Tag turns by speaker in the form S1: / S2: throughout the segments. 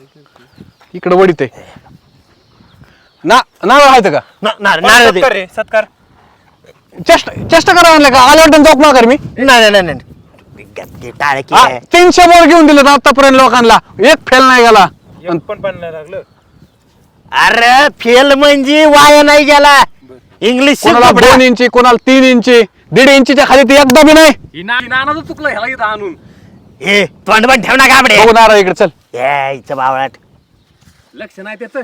S1: इकडे वडीत आहे ना नारळ आहेत का
S2: नारळ सत्कार
S1: चेष्टा करा म्हणलं का आलं वाटतं जोक माघार मी
S2: नाही टाळे
S1: 300 बोर घेऊन दिले आतापर्यंत लोकांना एक फेल नाही गेला
S2: पण नाही लागलं. अरे फेल म्हणजे वाया नाही गेला. इंग्लिश
S1: कोणाला 2 इंची कोणाला 3 इंची 1.5 इंचीच्या खाली ते एकदा बी नाही
S3: नानाचं चुकलं ह्याला इथं आणून
S2: हे तोंड पण ठेव ना गाबडे
S1: बघू नारळ इकडे चल
S2: यायचं बावळाट
S3: लक्ष नाही त्याचं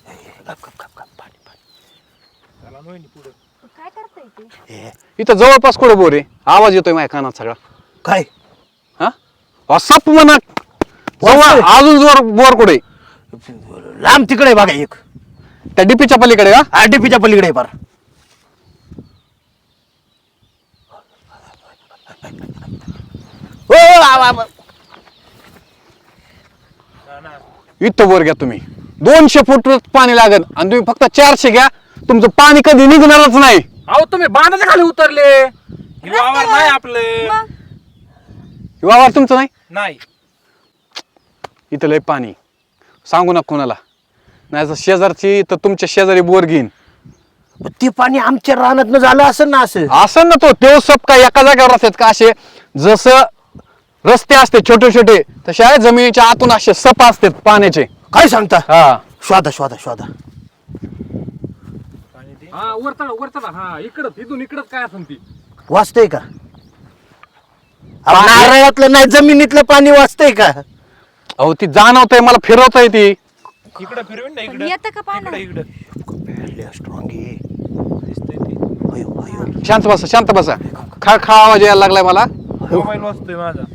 S4: काय करताय ते?
S1: इथं जवळपास कुठे बोर आहे आवाज येतोय माझ्या कानात सगळा
S2: काय
S1: हा सप म्हणा जवळ अजून जोर बोर कुठे
S2: लांब तिकडे बघा एक
S1: त्या डीपीच्या पलीकडे का
S2: आरडीपीच्या पलीकडे फार
S1: इथं बोर घ्या तुम्ही 200 फूट पाणी लागेल आणि तुम्ही फक्त 400 घ्या तुमचं पाणी कधी निघणारच नाही
S3: अहो तुम्ही बांधाच्या खाली उतरले वावर नाही आपलं
S4: मग
S1: वावर तुमचं नाही
S3: नाही
S1: इथं लय पाणी सांगू नका कोणाला नाही तर शेजारची तर तुमच्या शेजारी बोर घेईन
S2: ते पाणी आमच्या रानात झालं असं ना
S1: असं ना तो सप काय एका जागेवर असतात का असे जसं रस्ते असते छोटे छोटे तसे जमिनीच्या आतून असे सप असतात पाण्याचे
S2: काय सांगता
S1: हा
S2: शोधा शोधा शोधा
S3: हा वरता हा इकडं इथून इकडंच काय असेल ती
S2: वाचतंय का नारळातलं नाही जमिनीतलं पाणी वाचतंय का
S1: अहो ती जाणवतंय मला फिरवताय ती
S3: इकडं फिरवीन ना
S4: पण
S3: इकडं
S4: येतं का पाणी
S3: इकडं
S2: स्ट्रॉंग
S1: शांत बसा खा आवाज यायला लागलाय मला
S3: मोबाईल वाजतोय माझा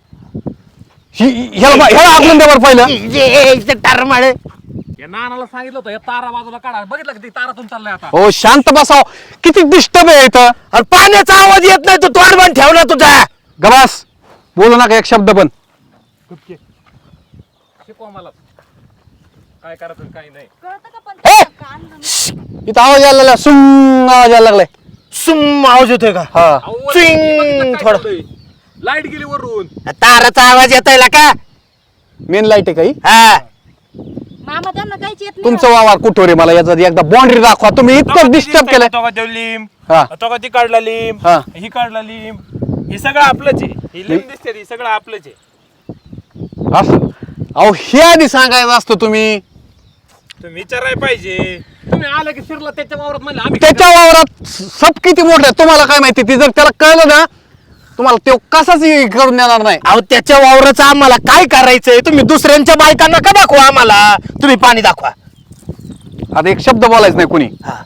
S1: ह्याला आगलून द्या बरं पहिलं
S2: टरमाळ
S3: या नानाला सांगितलं होतं या तारा बाजूला काढा बघितलं का ती तारातून चाललाय आता
S1: हो शांत बसाव किती डिस्टर्ब आहे इथं
S2: अरे पाण्याचा आवाज येत नाही तू तोंड बंद ठेवला तुझा
S1: गबास बोलू नका एक शब्द पण
S3: कुठके शिकवा मला काय करायचं काय नाही
S4: कळतं का पण कान घालून?
S1: इथं आवाज यायला लागला सुम आवाज यायला लागलाय
S2: सुम आवाज येतोय का
S1: हा
S2: थोडं
S3: लाईट गेली वरून
S2: ताराचा आवाज येतोय का
S1: मेन लाईट आहे काही
S2: हा
S4: मामा त्यांना काहीच येत नाही
S1: तुमचं वावर कुठं रे मला याचा एकदा बाउंड्री दाखवा तुम्ही इतकं डिस्टर्ब केलंय
S3: तो का लिंब
S1: हा
S3: तो का ती काढला लिंब
S1: हा.
S3: ही काढला लिंब हे सगळं आपलंच आहे ही लिंब दिसते ती सगळं आपलंच आहे
S1: असं अहो हे आधी सांगायचं असतं तुम्ही
S3: तुम्ही विचारायला पाहिजे तुम्ही आलं की शिरला त्याच्या वावरात म्हणलं आम्ही
S1: त्याच्या वावरात सप किती मोठं आहे तुम्हाला काय माहिती ती जर त्याला कळलं ना तुम्हाला ते कसाच करून देणार नाही
S2: अहो त्याच्या वावराचं आम्हाला काय करायचंय तुम्ही दुसऱ्यांच्या बायकांना का दाखवा आम्हाला तुम्ही पाणी दाखवा
S1: आता एक शब्द बोलायचं नाही कुणी
S2: हा.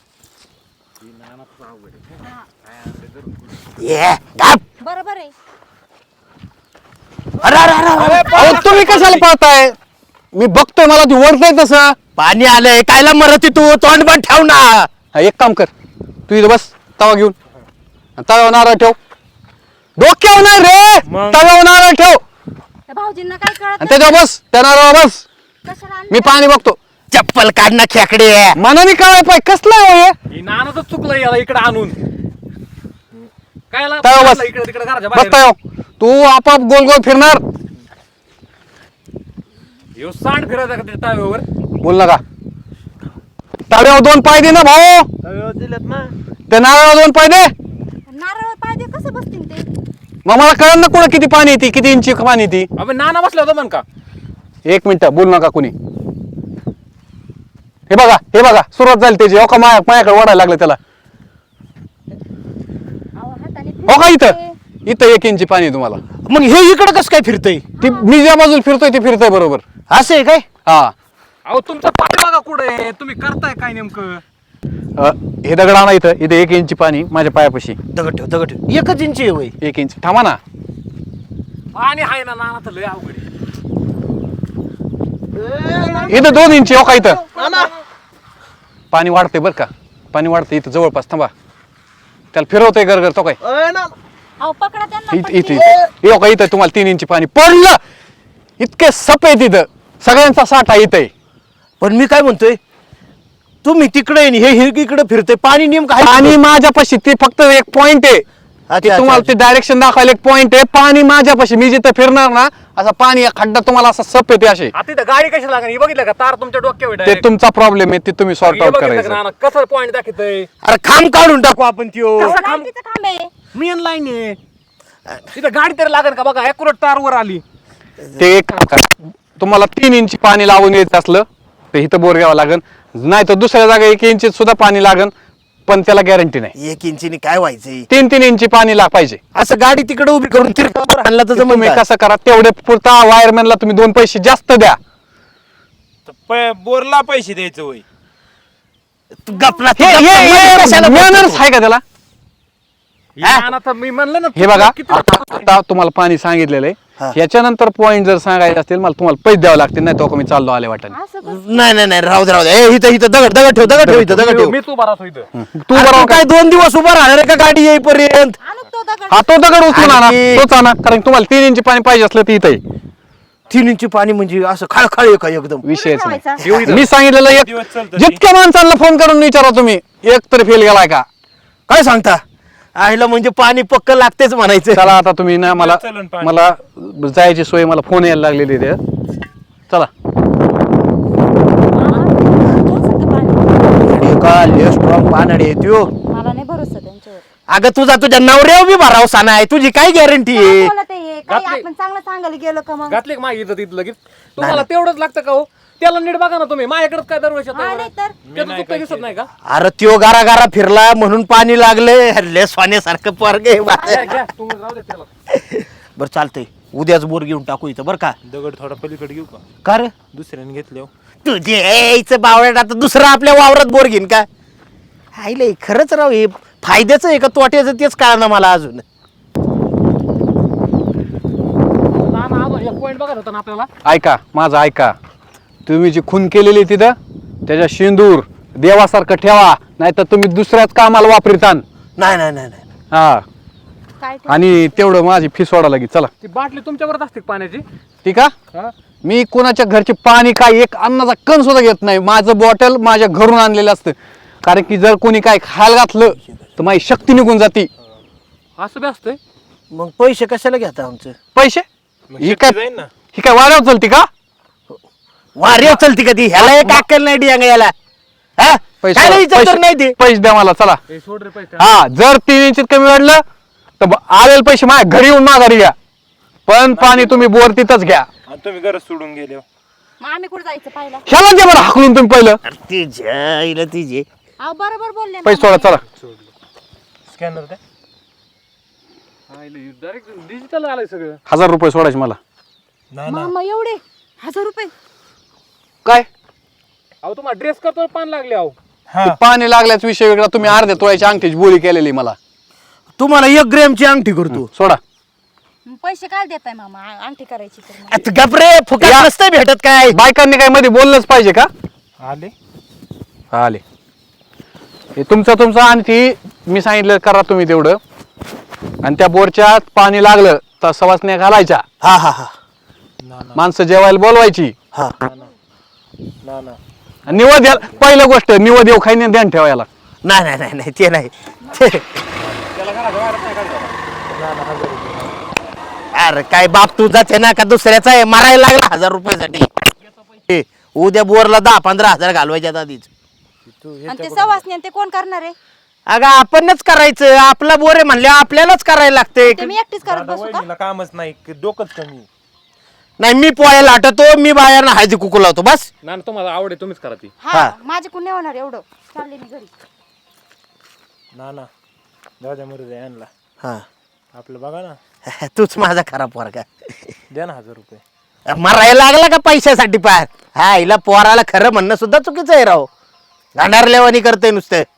S2: ये, गप.
S4: बरोबर आहे
S2: अरे, अरे, अरे, अरे.
S1: अहो तुम्ही कशाला पाहताय मी बघतोय मला ती ओळखताय तसं
S2: पाणी आलंय कायला मरती तू तोंड बंद ठेव ना
S1: हा, एक काम कर तू इथं बस तवा घेऊन तव्यावर नारळ ठेव डोक्यावर नाही रे
S3: मग?
S1: तव्यावर नारळ ठेव
S4: त्या भाऊजींना काय कळत
S1: आणि
S4: नाही.
S1: त्याच्यावर बस त्या नारळावर बस
S4: कशाला आणलं?
S1: मी पाणी बघतो
S2: चप्पल काढ ना खेकडे
S1: मनाने कळाय पाहिजे कसलं आहे हो हे?
S3: ही नानाचं चुकलं याला इकडे आणून काय
S1: तव्यावर बस
S3: इकडे तिकडे घराच्या
S1: बस
S3: बाहेर
S1: तव्यावर तू आपाप गोल गोल फिरणार
S3: ह्यो सांड फिरायचा का त्या ताव्यावर
S1: बोल नका तव्यावर 2 पाय दे ना भाऊ
S3: दिलेत ना
S1: त्या नारळावर 2 पाय दे
S4: नारळ पायदे कसं बसतील ते
S1: मग मला कळलं ना कुठं किती पाणी येते किती इंची पाणी येते
S3: अबे नाना बसला होता म्हण का
S1: 1 मिनिट बोल नका कुणी हे बघा सुरुवात झाली त्याची हो का माझ्याकडे ओढायला लागलं त्याला
S4: अहो, हाताने
S1: हो का
S4: फिरवते.
S1: इथं 1 इंची पाणी आहे तुम्हाला
S2: मग हे इकडं कसं काय फिरतय
S1: ती मी ज्या बाजूला फिरतोय ते फिरतोय बरोबर
S2: असं आहे काय
S1: हा
S3: अहो तुमचा पाणी बघा कुठे तुम्ही करताय काय नेमकं
S1: हे दगड आणा इथं 1 इंची पाणी माझ्या पायापाशी
S2: दगड ठेव 1 इंची आहे वय
S1: 1 इंच थांबा ना
S3: पाणी आहे ना नाना तर लय अवघड आहे.
S1: इथं 2 इंची हो का इथं पाणी वाढतंय बरं का पाणी वाढतंय इथं जवळपास थांबा त्याला फिरवतोय गरगर तो काय
S4: अहो पकडा त्यांना
S1: इथं
S4: पटकन.
S1: इथं हो का इथं तुम्हाला 3 इंची पाणी पडलं इतके सप आहे तिथं सगळ्यांचा साठा इथं
S2: पण मी काय म्हणतोय तुम्ही तिकडे हे इकडे फिरतोय पाणी नेमकं आहे
S1: आणि माझ्यापाशी ते फक्त एक पॉइंट आहे की तुम्हाला ते डायरेक्शन दाखवायला एक पॉइंट आहे. पाणी माझ्यापाशी, मी जिथे फिरणार ना असं पाणी या खड्डा तुम्हाला असा सप येते असे.
S5: आता इथं गाडी कशी लागणार हे बघितलं का? तार तुमच्या डोक्यावर
S1: ते
S5: direct.
S1: तुमचा प्रॉब्लेम आहे, ते तुम्ही सॉर्ट
S5: हे
S1: आउट
S5: बघितलं
S1: करायचं.
S5: का नाना? कसं पॉईंट दाखवतय
S2: अरे खांब काढून टाकू आपण त्यो.
S4: लाईटीचं खांब आहे.
S5: मेन लाईन आहे इथं. गाडी तरी लागेल का बघा? ॲक्युरेट तार वर आली.
S1: ते एक काम करा. तुम्हाला 3 इंची पाणी लावून येत असलं तर इथं बोर घ्यावं लागेल, नाही तर दुसऱ्या जागा 1 इंची सुद्धा पाणी लागेल, पण त्याला गॅरंटी नाही.
S2: 1 इंचीने काय व्हायचंय?
S1: 3 इंची पाणी पाहिजे.
S2: असं गाडी तिकडे उभी करून तिरकावर आणला तर
S1: तुम्ही
S2: जमून
S1: कसं करा, तेवढे पुरता वायरमॅनला तुम्ही 2 पैसे जास्त द्या.
S3: बोरला पैसे द्यायचं होय.
S2: गपला
S1: मॅनर्स आहे का त्याला?
S5: नाना तर मी म्हणलं ना
S1: हे बघा,
S5: किती
S1: आता तुम्हाला पाणी सांगितलेलं
S2: हा.
S1: आहे. याच्यानंतर पॉईंट जर सांगायचे असतील मला, तुम्हाला पैसे द्यावे लागतील, नाही तो मी चाललो आले वाटेल.
S4: असं बस.
S2: नाही राहू दे ए, इथं दगड ठेव इथं दगड ठेव.
S5: मी तू बरा इथं.
S1: तू
S2: अरे
S1: बरोबर
S2: तू काय 2 दिवस उभा राहणार आहे का गाडी येईपर्यंत?
S4: आणू तो दगड.
S1: हा तो दगड उचलून आणा,
S2: आणि-
S1: तोच आणा, कारण तुम्हाला 3 इंची पाणी पाहिजे असलं तर इथं आहे.
S2: 3 इंची पाणी म्हणजे असं खळखळ आहे का एकदम?
S1: विषयच
S4: कुठे
S1: नाही.
S4: ठेवायचा?
S1: मी सांगितलेलं एक,
S3: दिवस चालतं
S1: जितक्या माणसांना फोन करून विचारा तुम्ही, एक तरी फेल गेलाय का?
S2: काय सांगता? आईला म्हणजे पाणी पक्क लागतेच म्हणायचं.
S1: चला आता तुम्ही ना मला
S3: चलन पाणी.
S1: मला जायची सोय, मला फोन यायला लागलेली आहे. चला
S4: थोडंसं पाणी.
S2: अरे का लय स्ट्रॉंग पानडी आहे त्यो.
S4: मला नाही भरोसा त्यांच्यावर.
S2: अगं तुझ्या नवऱ्यावर बी भरावसा नाही, तुझी काय गॅरंटी
S4: काय
S2: आहे?
S4: बोलत आहे हे? काही
S5: घातली.
S4: आपण चांगलं सांगायला गेलो का मग?
S5: घातले का माझी इथं तिथं लगेच? तुम्हाला तेवढंच लागतं का हो? त्याला नीट बघा ना तुम्ही. माझ्याकडेच काय दरवर्षी येतं
S4: हा,
S5: एवढं?
S4: नाही तर.
S5: त्याचं चुकतं दिसत नाही का?
S2: अरे त्यो गारा फिरला म्हणून पाणी लागले. लय सोन्यासारखं पोरग आहे बा.
S5: घ्या, घ्या. तुम्ही राहू दे त्याला.
S2: बरं चालतंय, उद्याच बोर घेऊन टाकू इथं बरं का?
S3: दगड थोडा पलीकडे घेऊ का?
S2: का रे?
S3: दुसऱ्याने घेतले हो.
S2: तुझे यायचं बावळ्यात आता दुसरं आपल्या वावरात बोर घेईन का? आईले खरंच राव, हे फायद्याचं आहे का तोट्याचं तेच कळना मला अजून.
S5: नाना अजून एक पॉईंट बघत होता ना आपल्याला.
S1: ऐका, माझं ऐका. तुम्ही जी खून केलेली तिथं त्याच्या शेंदूर देवासारखं ठेवा, नाही तर तुम्ही दुसऱ्याच कामाला वापरितान.
S2: नाही
S1: हा,
S4: काय ते?
S1: आणि तेवढं माझी फी सोडा लागेल. चला
S5: ती बाटली तुमच्यावरच असते का पाण्याची?
S1: ठीक आहे.
S5: हा?
S1: मी कोणाच्या घरचे पाणी काय एक अन्नाचा कण सुद्धा घेत नाही. माझं बॉटल माझ्या घरून आणलेलं असतं, कारण की जर कोणी काय खायला घातलं तर माझी शक्ती निघून जाते.
S5: असं बी असतंय.
S2: मग पैसे कशाला घेता आमचं?
S1: पैसे
S3: मग
S1: ही
S3: शक्ती
S1: काय,
S3: जाईन ना.
S1: ही काय वाऱ्यावर चलती का?
S2: वारे चलती कधी? ह्याला एक अक्कल नाही डियांग याला. हा? काय विचारतो नाही ते?
S1: पैसे द्या मला. चला,
S5: हे सोड रे पैसे.
S1: हा, जर 3 इंचित कमी वाढलं तर आलेले पैसे माझ्या घरी येऊन माघारी घ्या, पण पाणी तुम्ही बोर तिथंच घ्या.
S3: आणि तुम्ही गरज सोडून गेले हो.
S4: मग आम्ही कुठे जायचं पाहिलं?
S1: ह्याला दे बरं हाकलून तुम्ही पहिलं.
S2: अरे तिच्या आईला तिचे.
S4: अहो बरोबर बोलले
S1: पैसे सोडा. चला,
S3: स्कॅनर काय?
S5: डायरेक्ट डिजिटल आलंय सगळं.
S1: 1000 रुपये सोडायचे मला.
S3: ना ना
S4: मामा एवढे 1000 रुपये.
S1: काय
S5: अहो तुम्हाला ड्रेस करतो पान लागले अहो.
S3: हा.
S1: ते पाणी लागल्याच विषय वेगळा. तुम्ही अर्ध्या तोळ्याची अंगठीची बोली केलेली मला.
S2: तुम्हाला 1 ग्रॅमची अंगठी करतो.
S1: सोडा.
S4: मग पैसे काय देताय मामा? अंगठी करायची तर मग.
S2: आता गपरे, फुकट नसतं भेटत काय?
S1: बायकांनी काय मध्ये बोललंच पाहिजे का?
S3: आले.
S1: आले. हे तुमचं आणि ती मी सांगितलं करा तुम्ही तेवढं. आणि त्या बोरच्या पाणी लागलं तर सवासण्या घालायच्या,
S2: हा
S3: ना ना
S1: माणसं जेवायला बोलवायची.
S2: हा.
S3: ना ना.
S1: आणि निवद पहिलं गोष्ट, निवद येऊ खाईने ध्यान ठेवायला.
S2: नाही ते नाही ते- अरे काय बाप तुझाच आहे ना का दुसऱ्याचा आहे? मारायला लागला 1000 रुपयासाठी. ए, उद्या बोरला 10-15 हजार घालवायच्या आधीच.
S4: आणि ते सवासणी आणि ते कोण करणार आहे?
S2: अगं आपणच करायचं, आपला बोर आहे म्हणल्या आपल्यालाच करायला लागते.
S4: ते मी एकटीच करत
S3: दादा
S4: बसू का?
S3: वहिनीला कामच नाही, डोकंच कमी.
S2: नाही मी पोळ्याला आटतो, मी बाहेर हळदी कुकू लावतो बस.
S5: नाना तुम्हाला आवडे तुम्हीच करा ती.
S4: हा, माझे कोण नाही होणार एवढं. चालले मी घरी.
S3: ना ना. दादा मरू द्या यांना.
S2: हा.
S3: आपलं बघा ना.
S2: तूच माझा खरा पोरगा.
S3: द्या ना 1000 रुपये.
S2: मरायला लागला का पैशासाठी पार? हा, हिला पोराला खरं म्हणणं सुद्धा चुकीचं आहे राव. गांडारलेवानी करते नुसतं.